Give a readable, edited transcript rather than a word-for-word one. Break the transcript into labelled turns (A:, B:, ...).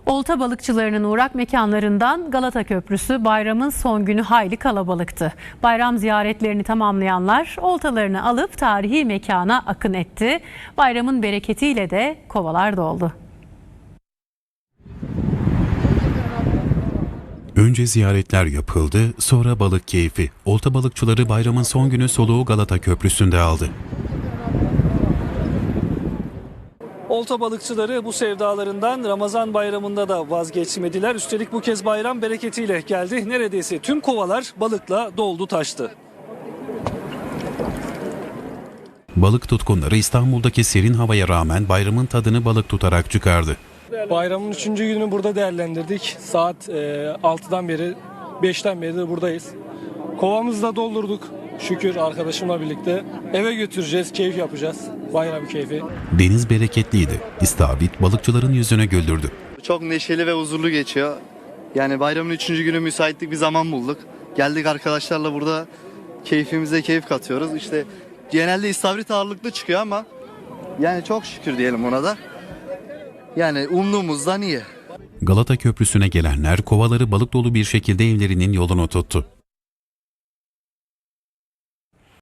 A: Olta balıkçılarının uğrak mekanlarından Galata Köprüsü bayramın son günü hayli kalabalıktı. Bayram ziyaretlerini tamamlayanlar oltalarını alıp tarihi mekana akın etti. Bayramın bereketiyle de kovalar doldu.
B: Önce ziyaretler yapıldı, sonra balık keyfi. Olta balıkçıları bayramın son günü soluğu Galata Köprüsü'nde aldı.
C: Olta balıkçıları bu sevdalarından Ramazan bayramında da vazgeçmediler. Üstelik bu kez bayram bereketiyle geldi. Neredeyse tüm kovalar balıkla doldu taştı.
B: Balık tutkunları İstanbul'daki serin havaya rağmen bayramın tadını balık tutarak çıkardı.
D: Bayramın 3. gününü burada değerlendirdik. Saat 6'dan beri, 5'ten beri de buradayız. Kovamızı da doldurduk. Şükür arkadaşımla birlikte. Eve götüreceğiz, keyif yapacağız. Bayram keyfi.
B: Deniz bereketliydi. İstavrit balıkçıların yüzüne güldürdü.
E: Çok neşeli ve huzurlu geçiyor. Yani bayramın 3. günü müsaitlik bir zaman bulduk. Geldik arkadaşlarla burada keyfimize keyif katıyoruz. İşte genelde istavrit ağırlıklı çıkıyor ama yani çok şükür diyelim ona da. Yani umduğumuzdan iyi.
B: Galata Köprüsü'ne gelenler kovaları balık dolu bir şekilde evlerinin yolunu tuttu.